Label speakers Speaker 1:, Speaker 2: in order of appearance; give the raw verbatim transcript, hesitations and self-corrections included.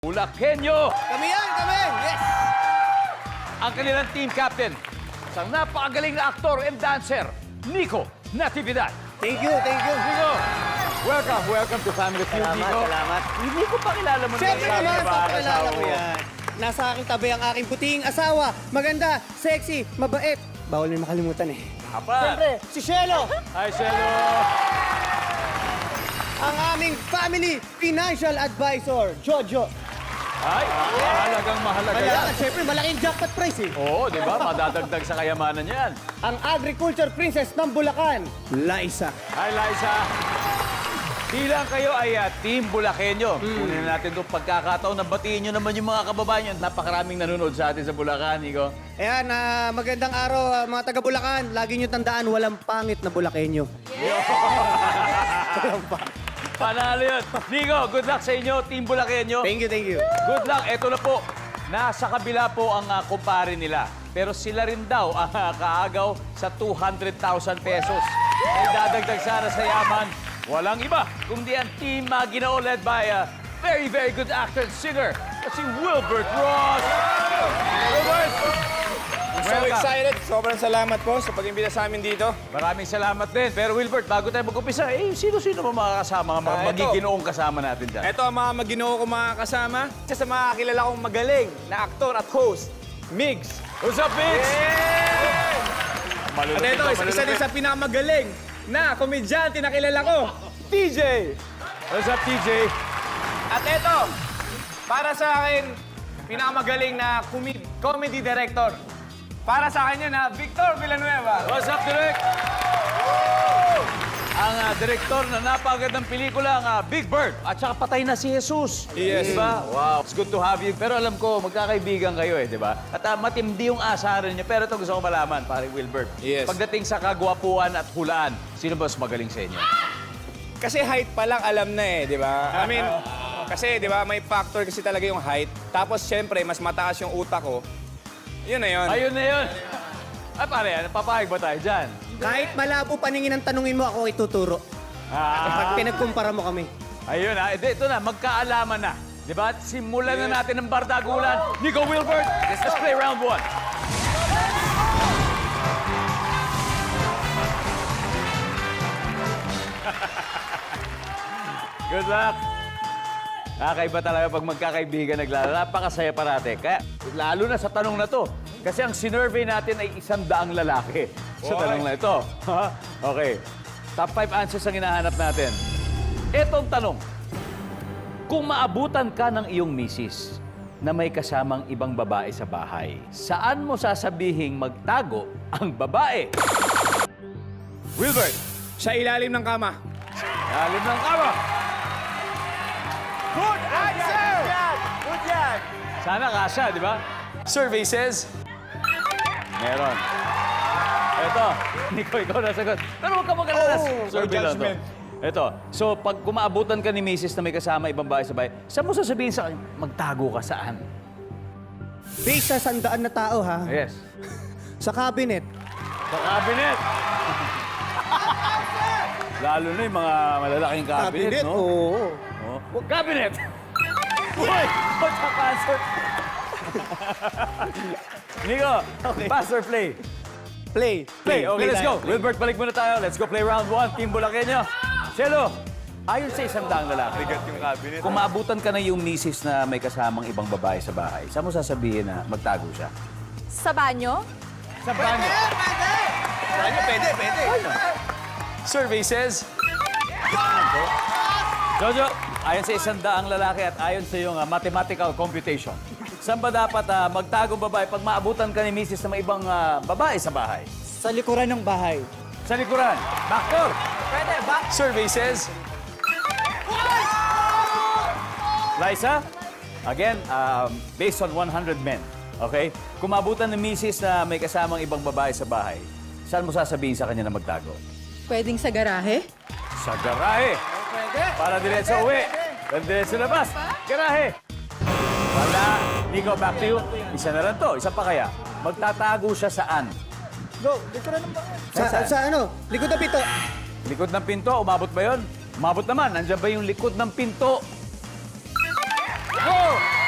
Speaker 1: Bulakenyo!
Speaker 2: Kami yan, kami! Yes!
Speaker 1: Ang kanilang team captain, isang napakagaling na aktor and dancer, Nico Natividad.
Speaker 2: Thank you, thank you.
Speaker 1: Nico, welcome, welcome to Family Feud,
Speaker 2: Salamat,
Speaker 1: Nico.
Speaker 2: salamat.
Speaker 1: Hindi ko pa kilala mo
Speaker 2: Siyempre
Speaker 1: na
Speaker 2: naman,
Speaker 1: ba,
Speaker 2: pakilala
Speaker 1: asawa
Speaker 2: ko
Speaker 1: mo?
Speaker 2: yan. Nasa aking tabi ang aking puting asawa. Maganda, sexy, mabait. Bawal na makalimutan eh.
Speaker 1: Apa?
Speaker 2: Siyempre, si Shelo.
Speaker 1: Hi, Shelo.
Speaker 2: Ang aming family financial advisor, Jojo.
Speaker 1: Ay, mahalagang mahalaga yan.
Speaker 2: Kaya, siyempre, malaking jackpot prize eh.
Speaker 1: Oo, di ba? Madadagdag sa kayamanan yan.
Speaker 2: Ang agriculture princess ng Bulacan, Liza.
Speaker 1: Hi, Liza. Bilang kayo ay uh, Team Bulakenyo.
Speaker 2: Hmm.
Speaker 1: Kunin na natin itong pagkakataon na batiin nyo naman yung mga kababayan nyo. Napakaraming nanonood sa atin sa Bulacan, Nico.
Speaker 2: Ayan, ah, magandang araw ah, mga taga Bulacan. Lagi nyo tandaan, walang pangit na Bulakenyo. Walang pangit.
Speaker 1: Panalo yun. Nico, good luck sa inyo, Team Bulakenyo.
Speaker 2: Thank you, thank you.
Speaker 1: Good luck. Eto na po. Nasa kabila po ang uh, kumpare nila. Pero sila rin daw ang uh, kaagaw sa two hundred thousand pesos. Ay dadagdag sana sa yaman. Walang iba, kundi ang Team Maginoo led by a very, very good actor and singer. Si Wilbert Ross. Wilbert!
Speaker 3: I'm so
Speaker 1: Welcome.
Speaker 3: excited. Sobrang salamat po sa pag-imbita sa amin dito.
Speaker 1: Maraming salamat din. Pero Wilbert, bago tayo mag-umpisa, eh, sino-sino ba mga kasama, mga
Speaker 3: Ah, ito.
Speaker 1: magiginoong kasama natin dyan?
Speaker 3: Ito ang mga maginoo ko mga kasama. Isa sa mga kilala kong magaling na aktor at host, Migs.
Speaker 1: What's up, Vince?
Speaker 3: At ito, isa, isa din sa pinakamagaling na komedyante na kilala ko, T J.
Speaker 1: What's up, T J?
Speaker 3: At ito, para sa akin, pinakamagaling na comed- comedy director. Para sa akin yun, ha, Victor Villanueva.
Speaker 1: What's up, Direk? Ang uh, direktor na napakagandang pelikula, ang uh, Big Bird. At saka patay na si Jesus.
Speaker 3: Yes.
Speaker 1: Di ba? Wow. It's good to have you. Pero alam ko, magkakaibigan kayo eh, di ba? At uh, matindi yung asaran niyo. Pero ito gusto ko malaman, pare Wilbert.
Speaker 3: Yes.
Speaker 1: Pagdating sa kagwapuan at hulaan, sino ba mas magaling sa inyo?
Speaker 3: Kasi height pa lang alam na eh, di ba? I mean, kasi di ba, may factor kasi talaga yung height. Tapos syempre, mas mataas yung utak ko. Yun na yun.
Speaker 1: Ayun na yun. Ay, pare, ano, papayag ba tayo dyan?
Speaker 2: Kahit malabo paningin ang tanungin mo, ako ituturo.
Speaker 1: Ah.
Speaker 2: Pag pinagkumpara mo kami.
Speaker 1: Ayun ha, ito, ito na, magkaalaman na. Di ba? Simulan na natin ang bardagulan. Nico Wilbert, let's play round one. Good luck. Nakakaiba talaga pag magkakaibigan naglaro. Napakasaya parate. Kaya, lalo na sa tanong na to. Kasi ang sinurvey natin ay isang daang lalaki. Sa tanong na ito. Okay. Top five answers ang hinahanap natin. Etong tanong. Kung maabutan ka ng iyong misis na may kasamang ibang babae sa bahay, saan mo sasabihing magtago ang babae? Wilbert,
Speaker 3: Sa ilalim ng kama.
Speaker 1: alim ng kama.
Speaker 3: Good answer! Good yan!
Speaker 1: Sana kasha, di ba?
Speaker 3: Survey says,
Speaker 1: Meron. Eto, Nico, ikaw na sagot. Pero huwag ka mag-alala.
Speaker 3: Oh,
Speaker 1: Survey
Speaker 3: no
Speaker 1: lang to.
Speaker 3: judgment.
Speaker 1: Eto, so pag kumaabutan ka ni misis na may kasama ibang bahay sa bahay, saan mo sasabihin sa kanya, magtago ka saan?
Speaker 2: Based sa sandaan na tao, ha?
Speaker 1: Yes.
Speaker 2: Sa cabinet.
Speaker 1: Sa cabinet. Lalo na yung mga malalaking cabinet, no?
Speaker 2: Oo.
Speaker 1: Oh. Cabinet! Uy! What's up, answer? Nico, pass or play?
Speaker 2: Play.
Speaker 1: Play. Okay, let's go. Wilbert, balik muna tayo. Let's go play round one. Team Bulakenyo. Cielo, ayon sa isang daang lalaki,
Speaker 3: bigat yung cabinet.
Speaker 1: kung maabutan ka na yung misis na may kasamang ibang babae sa bahay, saan mo sasabihin na magtago siya?
Speaker 4: Sa banyo?
Speaker 1: Sa banyo.
Speaker 3: Pwede, pwede, pwede. Survey says,
Speaker 1: Jojo, ayon sa isang daang lalaki at ayon sa iyong uh, mathematical computation, saan ba dapat uh, magtago babae pag maabutan ka ni misis na may ibang uh, babae sa bahay?
Speaker 2: Sa likuran ng bahay.
Speaker 1: Sa likuran. Backdoor.
Speaker 2: Pwede, ba?
Speaker 3: survey says,
Speaker 1: Liza, again, um, based on one hundred men, okay? Kung maabutan ng misis na may kasamang ibang babae sa bahay, saan mo sasabihin sa kanya na magtago?
Speaker 4: Pwedeng sa garahe?
Speaker 1: Sa garahe. Para diretso uwi. Para diretso labas. Garahe. Wala. Nico, back to you. Isa na lang to. Isa pa kaya. Magtatago siya saan?
Speaker 2: Go, likuran ng bahay. Sa,
Speaker 1: Saan?
Speaker 2: sa ano? Likod na pito.
Speaker 1: Likod ng pinto. Umabot ba yun? Umabot naman. Nandiyan ba yung likod ng pinto? Go!